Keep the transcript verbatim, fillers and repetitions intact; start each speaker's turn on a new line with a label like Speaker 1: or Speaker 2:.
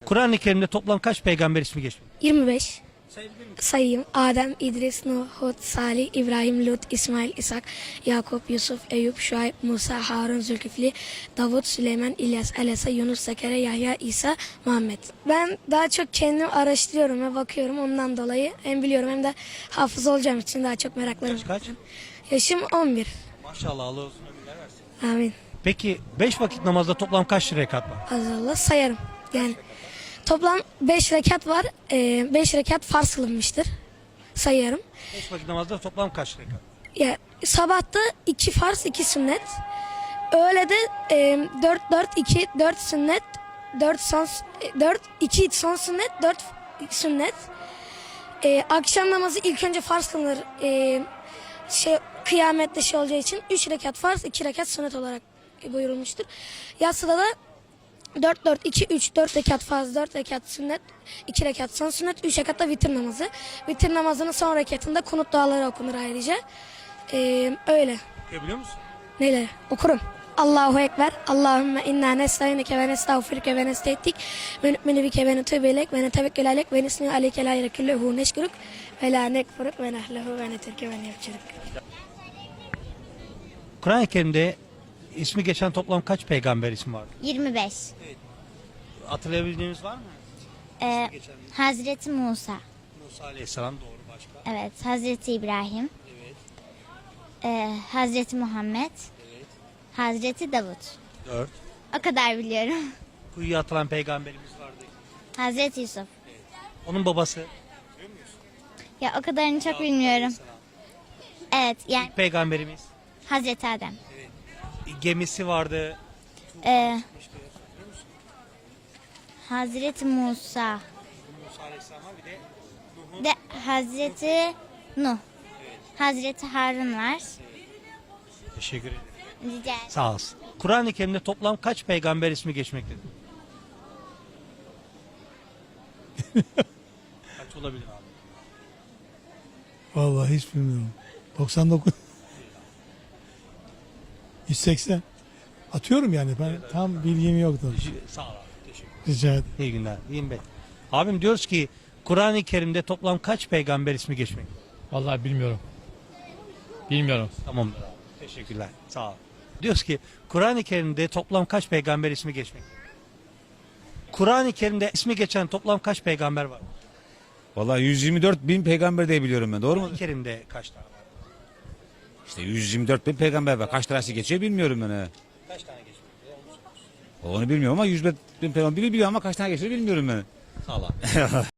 Speaker 1: Kur'an-ı Kerim'de toplam kaç peygamber ismi geçmiyor?
Speaker 2: yirmi beş.
Speaker 1: Sayabilir miyim?
Speaker 2: Sayayım. Adem, İdris, Nuh, Hud, Salih, İbrahim, Lut, İsmail, İshak, Yakup, Yusuf, Eyüp, Şuayb, Musa, Harun, Zülkifli, Davut, Süleyman, İlyas, Alesa, Yunus, Zekeriya, Yahya, İsa, Muhammed. Ben daha çok kendim araştırıyorum ve bakıyorum. Ondan dolayı hem biliyorum hem de hafız olacağım için daha çok meraklarım.
Speaker 1: Kaç kaç?
Speaker 2: Yaşım on bir.
Speaker 1: Maşallah, Allah uzun ömürler versin.
Speaker 2: Amin.
Speaker 1: Peki beş vakit namazda toplam kaç rekat var?
Speaker 2: Azallah sayarım. Yani toplam beş rekat var. beş rekat farz kılınmıştır. Sayarım.
Speaker 1: beş vakit namazda toplam kaç rekat?
Speaker 2: Ya sabahta iki farz, iki sünnet. Öğlede e, dört dört iki dört sünnet, dört son dört iki son sünnet, dört sünnet. E, akşam namazı ilk önce farz kılınır. E, şey kıyamette şey olacağı için üç rekat farz, iki rekat sünnet olarak buyurulmuştur. Yatsıda da dört dört iki üç dört rekat farz, dört rekat sünnet, iki rekat son sünnet, üç rekat da vitir namazı. Vitir namazının son rekatında kunut duaları okunur ayrıca. Ee, öyle.
Speaker 1: Okuyabiliyor musun?
Speaker 2: Neyle? Okurum. Allahu Ekber. Allahümme inna nesta'inike ve nestağfirike ve nestehdik. Ve nü'minu bike ve nutûbü ileyk ve netevekkül aleyk ve nisnû aleyke la ilahe kulluhu neşkuruk ve la nekfuruk ve nehlehu ve netirke ve nefçiruk.
Speaker 1: Kur'an-ı Kerim'de ismi geçen toplam kaç peygamber ismi var?
Speaker 3: yirmi beş.
Speaker 1: Hatırlayabildiğiniz var mı?
Speaker 3: Ee,
Speaker 1: Geçen
Speaker 3: Hazreti Musa.
Speaker 1: Musa Aleyhisselam doğru, başka?
Speaker 3: Evet. Hazreti İbrahim.
Speaker 1: Evet.
Speaker 3: Ee, Hazreti Muhammed.
Speaker 1: Evet.
Speaker 3: Hazreti Davut.
Speaker 1: Dört.
Speaker 3: O kadar biliyorum.
Speaker 1: Kuyuya atılan peygamberimiz vardı.
Speaker 3: Hazreti Yusuf.
Speaker 1: Onun babası.
Speaker 3: Ya o kadarını çok bilmiyorum. Evet. Yani
Speaker 1: İlk peygamberimiz.
Speaker 3: Hazreti Adem.
Speaker 1: Gemisi vardı.
Speaker 3: Ee, Hazreti Musa.
Speaker 1: Musa Aleyhisselam var, bir de Nuh'un.
Speaker 3: De Hazreti Nuh. Hazreti Harun var.
Speaker 1: Teşekkür ederim.
Speaker 3: Rica ederim.
Speaker 1: Sağ olsun. Kur'an-ı Kerim'de toplam kaç peygamber ismi geçmektedir? Kaç olabilir abi?
Speaker 4: Vallahi hiç bilmiyorum. doksan dokuz. yüz seksen. Atıyorum yani ben tam bilgim yoktu.
Speaker 1: Sağ ol abi. Teşekkür ederim.
Speaker 4: Rica ederim.
Speaker 1: İyi günler. İyiyim ben. Abim diyoruz ki Kur'an-ı Kerim'de toplam kaç peygamber ismi geçmektedir?
Speaker 5: Vallahi bilmiyorum. Bilmiyorum.
Speaker 1: Tamamdır abi. Teşekkürler. Sağ ol. Diyoruz ki Kur'an-ı Kerim'de toplam kaç peygamber ismi geçmektedir? Kur'an-ı Kerim'de ismi geçen toplam kaç peygamber var?
Speaker 6: Vallahi yüz yirmi dört bin peygamber diye biliyorum ben. Doğru mu?
Speaker 1: Kur'an-ı Kerim'de kaç tane var?
Speaker 6: İşte yüz yirmi dört bin peygamber var. Kaç tanesi geçiyor bilmiyorum ben. he.
Speaker 1: Kaç tane geçmektedir?
Speaker 6: Onu bilmiyorum ama yüz bin peygamber biri biliyor ama kaç tane geçiyor bilmiyorum ben.
Speaker 1: Sağ ol abi.